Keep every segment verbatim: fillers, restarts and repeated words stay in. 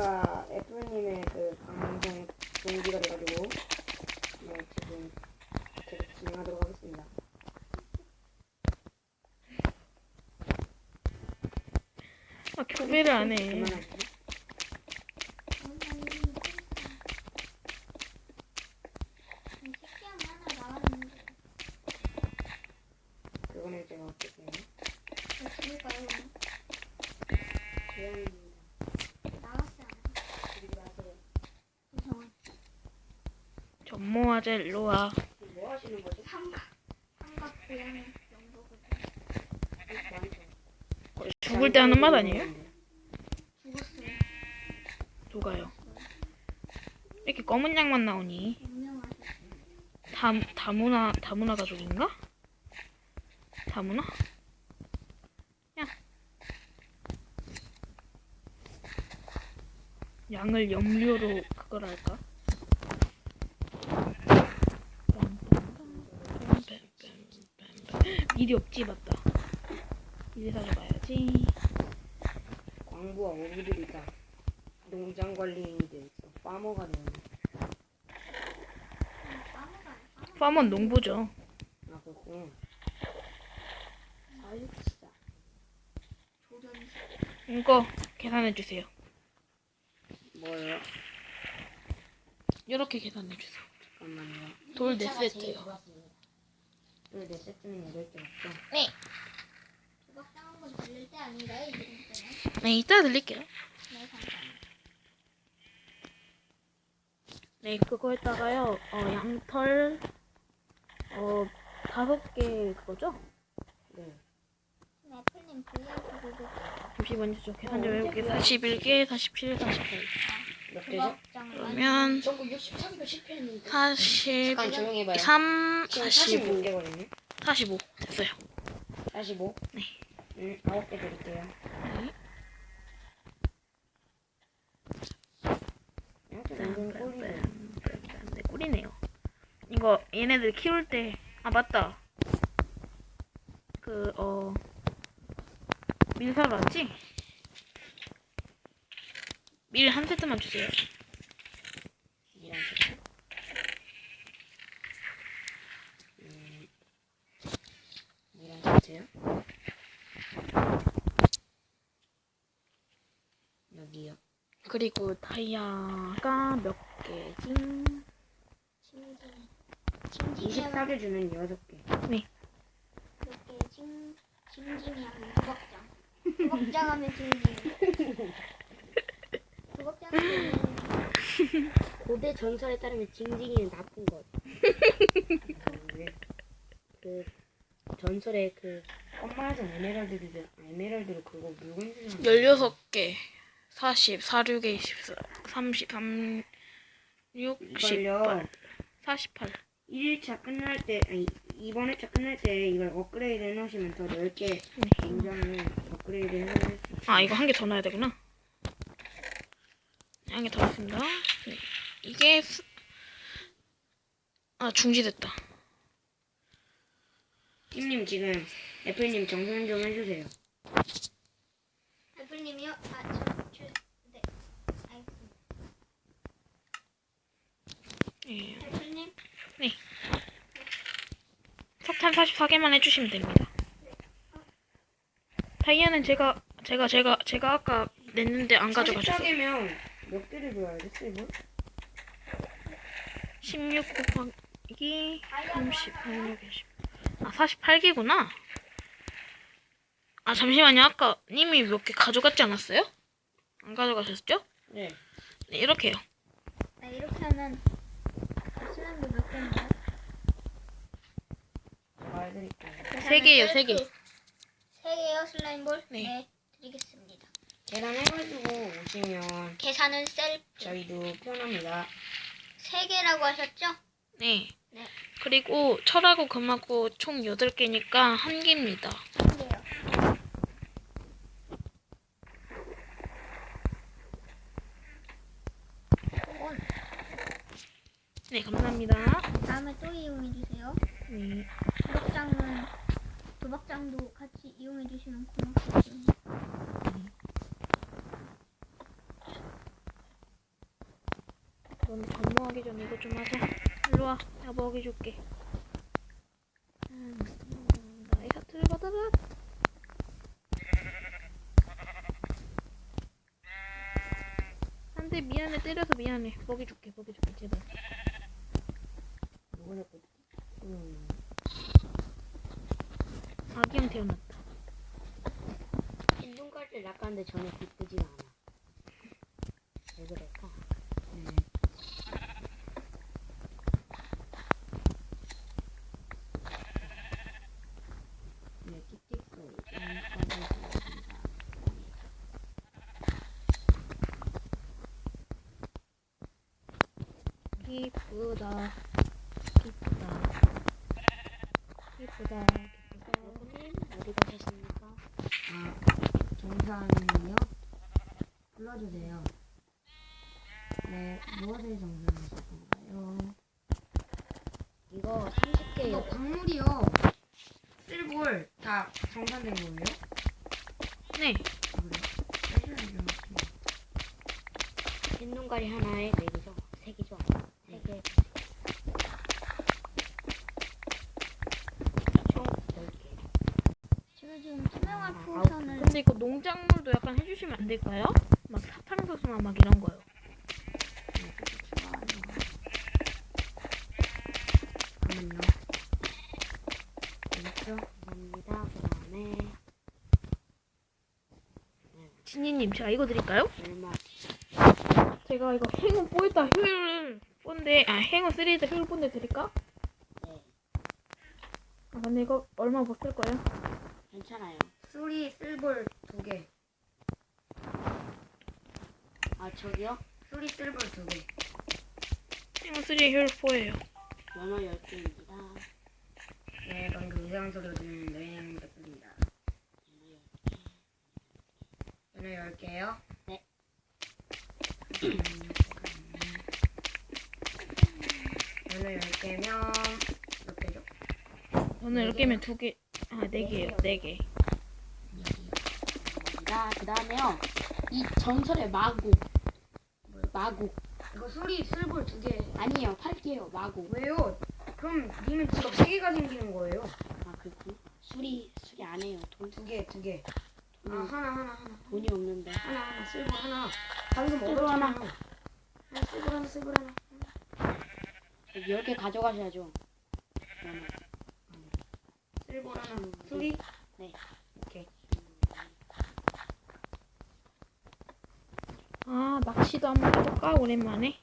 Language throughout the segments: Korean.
제가 애플님의 그 방송 동기가 돼가지고 네, 지금 계속 진행하도록 하겠습니다. 아, 교배를 안 해. 그만할게요. 그거는 제가 어떻게 해요? 전모아제 일로 와. 뭐 하시는 거죠? 죽을 때 하는 말 아니에요? 누가요? 이렇게 검은 양만 나오니? 다, 다문화, 다문화 가족인가? 다문화? 야. 양을 염료로 그걸 할까? 미리 없지, 맞다. 미리 사줘봐야지. 광부와 어부들이 다 농장 관리인이 돼있어. 파머가 되는. 파머는 농부죠. 아 그렇구나. 사육시다. 이거 계산해주세요. 뭐예요? 이렇게 계산해주세요. 잠깐만요. 돌 네 세트요. 돌 네 세트는 여덟 개 맞죠? 네. 조각상 한번 들릴 때 아닌가요? 이 정도면? 네, 이따 드릴게요. 네, 감사합니다. 네, 그거에다가요, 어, 양털, 어, 다섯 개 그거죠? 네. 네, 애플님 브이아이피 보고 잠시만요, 저 계산 좀 해볼게요. 사십일 개, 사십칠, 사십팔. 몇 개죠? 조각장 그러면, 전부 육십삼 개 실패했는데. 사십삼, 잠깐 조용히 해봐요. 지금 사십오, 사십육 개거든요. 사십오. 됐어요. 사십오? 네. 음, 아홉 개 드릴게요. 네. 이렇게 완전 꼴이네. 네, 꿀이네요. 이거, 얘네들 키울 때, 아, 맞다. 그, 어, 밀 사러 왔지? 밀 한 세트만 주세요. 이런 식으로. 음, 이런 세트요? 여기요. 그리고 다이아가 몇 개지? 징징 징징이 이십사 개 주는 여섯 개. 네. 몇개 징 징징이 하면 조각장 조각장 하면 징징 조각장 하면 고대 전설에 따르면 징징이는 나쁜 것. 그 전설에 그 엄마에서 에메랄드를 에메랄드로 그거 물건 주잖아. 열여섯 개. 사십, 사십육, 이십사, 삼십, 삼, 육, 이걸요. 십팔, 사십팔. 일 일차 끝날 때 아니 이번 회차 끝날 때 이걸 업그레이드 해놓으시면 더 넓게 농장을 업그레이드 해놓을 수 있어요. 아, 이거 한 개 더 넣어야 되구나. 한 개 더 넣습니다. 네. 이게, 수... 아, 중지됐다. 팀님 지금 애플님 정산 좀 해주세요. 애플님이요? 아, 저, 저, 네, 알겠습니다. 예. 애플님? 석탄 사십사 개만 해주시면 됩니다. 다이아는 제가, 제가, 제가, 제가 아까 냈는데 안 가져가셨어요. 사십사 개면 몇 개를 줘야 돼, 세이브? 십육 곱하기 삼십, 삼십육, 이십. 아, 사십팔 개구나. 아, 잠시만요. 아까 님이 몇 개 가져갔지 않았어요? 안 가져가셨죠? 네. 네, 이렇게요. 네, 이렇게 하면 슬라임도 몇 개인가요? 말해드릴게요. 세 개예요, 세 개. 세 개요, 슬라임볼? 네. 네, 드리겠습니다. 계산해가지고 오시면 계산은 셀프. 저희도 표현합니다. 세 개라고 하셨죠? 네. 네. 그리고 철하고 금하고 총 여덟 개니까 한 개입니다. 한 개요. 네, 감사합니다. 다음에 또 이용해 주세요. 네. 도박장은 도박장도 같이 이용해 주시면 고맙겠습니다. 이거 좀 하자. 일로 와. 내가 먹여줄게. 음, 나의 하트를 받아라. 안돼 미안해 때려서 미안해. 먹여줄게 먹여줄게 제발. 누가 자꾸 음. 아기형 태어났다. 흰눈깔을 낚았는데 전혀 기쁘지가 않아. 왜 그럴까? 네. 네, 틱틱 소리. 여기까지 하겠습니다. 기쁘다. 기쁘다. 기쁘다. 기쁘다. 여보님 어디 가셨습니까? 아, 정산이요? 불러주세요. 네, 무엇을 정산하실 건가요? 이거 삼십 개 이거 광물이요. 쓸볼 다 정산된 거예요? 네. 그래요? 빼셔야죠. 흰눈깔이 하나에 네 개죠? 세 개죠? 세 개. 총 열 개. 제가 지금 투명한 아, 풍선을 근데 이거 농작물도 약간 해주시면 안 될까요? 막 사탕수수나 막 이런 거요. 잠깐만요. 됐죠? 감사합니다. 그 다음에 진이님 제가 이거 드릴까요? 얼마? 제가 이거 행운 뽀이다 효율 뽀인데 아 행운 쓰리다 효율 뽀인데 드릴까? 네. 아 근데 이거 얼마 못 쓸 거예요? 괜찮아요. 수리 쓸볼 두 개. 아 저기요? 수리 쓸볼 두 개. 행운 쓰리 효율 뽀예요. 연어 열 개입니다. 네, 방금 이상한 소리가 들리는데 됐습니다. 연어 열 개요? 네. 연어 열 개면 몇 개죠? 오늘 네 열 개면 두 개. 아 네 개요. 네 개. 자, 그 다음에요. 이 전설의 마곡. 마곡. 이거 수리 쓸볼 두 개. 아니에요. 팔 개요. 마곡. 왜요? 그럼 님은 지금 세 개가 생기는 거예요. 아, 그렇군. 수리, 수리 안 해요. 돈, 두 개, 두 개. 아, 돈이, 하나, 하나, 하나. 돈이 없는데. 하나, 하나, 쓸볼 하나. 방금 쓸볼 하나. 얻었잖아요. 하나, 쓸볼 하나, 쓸볼 하나. 열 개 가져가셔야죠. 연어. 쓸볼 하나. 수리? 네. 오케이. 아 낚시도 한번 해볼까 오랜만에.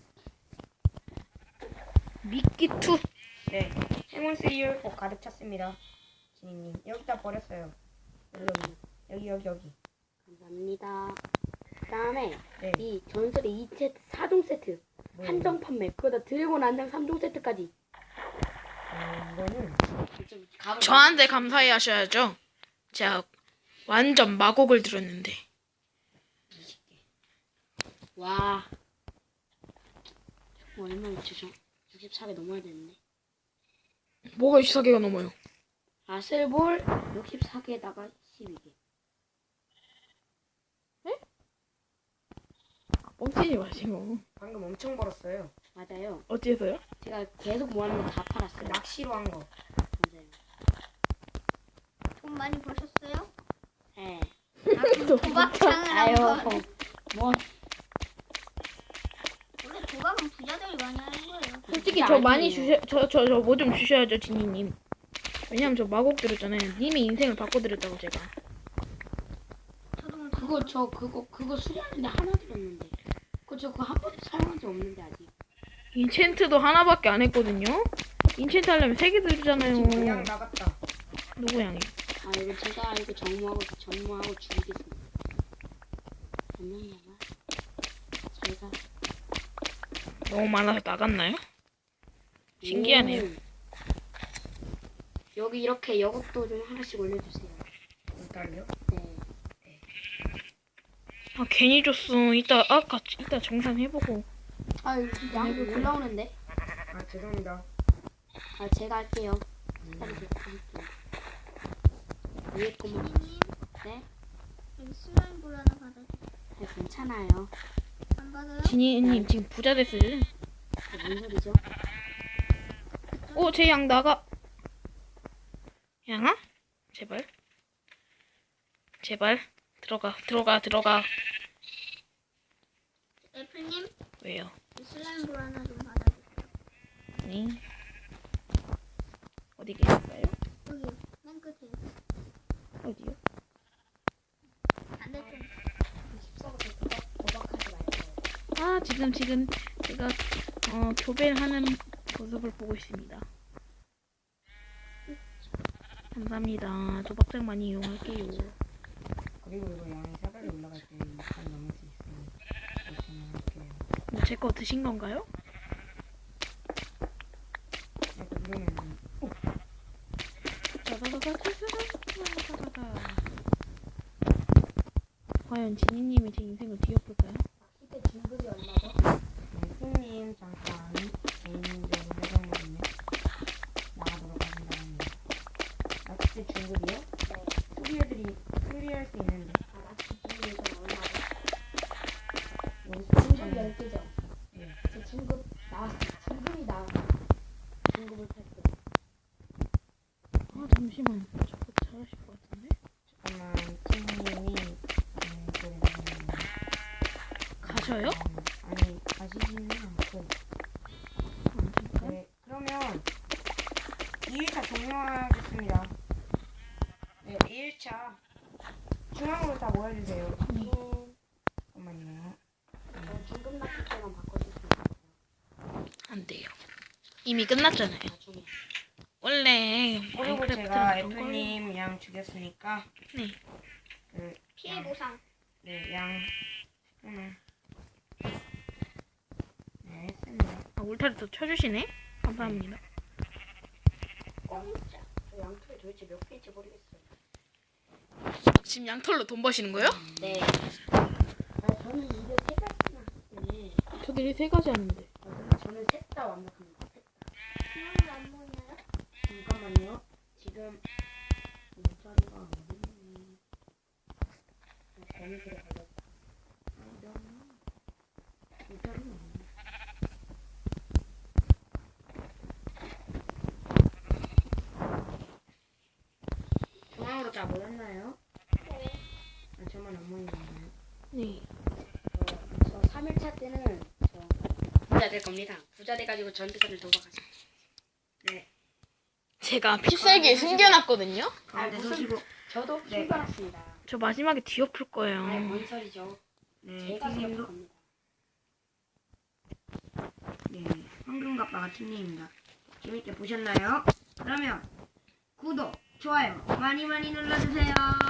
미끼 투. 네. 행운 쓰리를 꼭 가득 찼습니다. 지니님. 여기다 버렸어요. 여기, 여기, 여기, 여기. 감사합니다. 그 다음에 네. 이 전설의 이 세트, 사 종 세트. 뭐예요? 한정 판매. 그거다 드래곤 한정 삼 종 세트까지. 음, 이거는 좀 가을 저한테 감사해 하셔야죠. 제가 완전 마곡을 들었는데. 와. 뭐 얼마 있죠? 저 육십사 개 넘어야 되는데. 뭐가 육십사 개가 넘어요? 아슬볼 육십사 개에다가 십이 개. 뻥치지 마시고. 방금 엄청 벌었어요. 맞아요. 어째서요? 제가 계속 모아놓은 거 다 팔았어요. 낚시로 한 거. 맞아요. 돈 많이 버셨어요? 네. 아, 그럼 도박장을 아유, 한번. 뭐 원래 도박은 부자들이 많이 하는 거예요. 솔직히 진짜 저 많이 아니에요. 주셔 저 저 저 뭐 좀 주셔야죠 지니님. 왜냐면 저 마곡 들었잖아요. 님이 인생을 바꿔드렸다고 제가. 저도 뭐 그거 저 그거 그거 수리하는데 하나 들었는데. 그거 저 그거 한 번도 사용한 적 없는데 아직. 인챈트도 하나밖에 안 했거든요. 인챈트 하려면 세 개 지금 그냥 들잖아요. 나갔다. 누구 양이? 아 이거 제가 이거 정모하고 정모하고 죽이겠습니다. 안녕히 가. 제가 너무 많아서 나갔나요? 신기하네요. 오. 여기 이렇게 여곡도 좀 하나씩 올려주세요. 일단요. 네. 아 괜히 줬어. 이따 아까 이따 정산 해보고. 아 여기 양 해볼게요. 올라오는데. 아, 죄송합니다. 아 제가 할게요. 기다리세요. 할게요. 위에 거만. 님 네? 여기 슬라임볼 하나 받아주세요. 네, 괜찮아요. 안 받아요? 지니님 지금 부자 됐어요. 뭔 소리죠? 오, 제 양 나가. 양아? 제발. 제발. 들어가, 들어가, 들어가. 애플님, 왜요? 이 슬라임 볼 하나 좀 받아주세요. 네. 어디 계실까요? 여기, 맨 끝에. 어디요? 반대쪽. 십사부터 도박, 도박하지 말고. 아, 지금, 지금 제가 어, 교배를 하는 모습을 보고 있습니다. 감사합니다. 조박장 많이 이용할게요. 그리고 이거 양이 사다리 올라갈 때 이 칸 넘을 수 있으니 조심히 할게요. 뭐 제 거 드신 건가요? 약간 그러면 오! 따다다다다다다다다다. 과연 지니님이 제 인생을 뒤엎을까요? 낚싯대 중급이 얼마죠? 네, 손님 잠깐 개인적인 회장님이 나가도록 하신다고 낚싯대 중급이요? 네. 수리해드리 수리할 수 있는데 아, 낚싯대 중급이 얼마죠? 여기 중급 수리 열 개죠? 네. 제 중급 나왔어요. 중급이 나와. 중급을 탈게요. 아, 잠시만. 저거 잘하실 것 같은데? 잠깐만 친구님이 네, 소리 나시네요. 가셔요? 아니 가시지는 않고 아, 잠깐. 네 그러면 이 일차 종료하겠습니다. 네 이 일차 중앙으로 다 모여주세요. 네. 잠깐만요. 저 중급 낚싯대만 바꿔줄 수 있어요. 안 돼요. 이미 끝났잖아요. 나중에. 원래 그리고 마인크래프트는 제가 그런 걸로- 애플님 양 죽였으니까 네. 그 피해 양, 보상. 네, 양 오늘 네 했습니다. 아, 울타리 또 쳐주시네? 감사합니다. 공짜. 저 양털이 도대체 몇 개인지 모르겠어요. 지금 양털로 돈 버시는 거예요? 네. 아, 저는 이게 세 가지나 하기 때문에 저들이 세 가지 하는데. 아, 근데 저는 셋 다 완벽합니다. 셋 다. 중앙으로 안 보이나요? 잠깐만요. 지금 일자리가 어딨니? 거미줄에 걸렸다. 아니다. 일자리가 어딨니? 중앙으로 다 모였나요? 네. 아, 저만 안 모이나요? 네. 저, 저 삼 일차 때는 저 부자 될 겁니다. 부자 돼가지고 전재산을 도박하세요. 네. 제가 필살기에 숨겨놨거든요? 가운데 무슨- 서시고. 저도 네. 출발했습니다. 저 마지막에 뒤엎을 거예요. 아니, 뭔 소리죠? 네, 제가 팀님도. 기억할 겁니다. 네, 황금갑바가 팀님입니다. 재밌게 보셨나요? 그러면 구독, 좋아요 많이 많이 눌러주세요.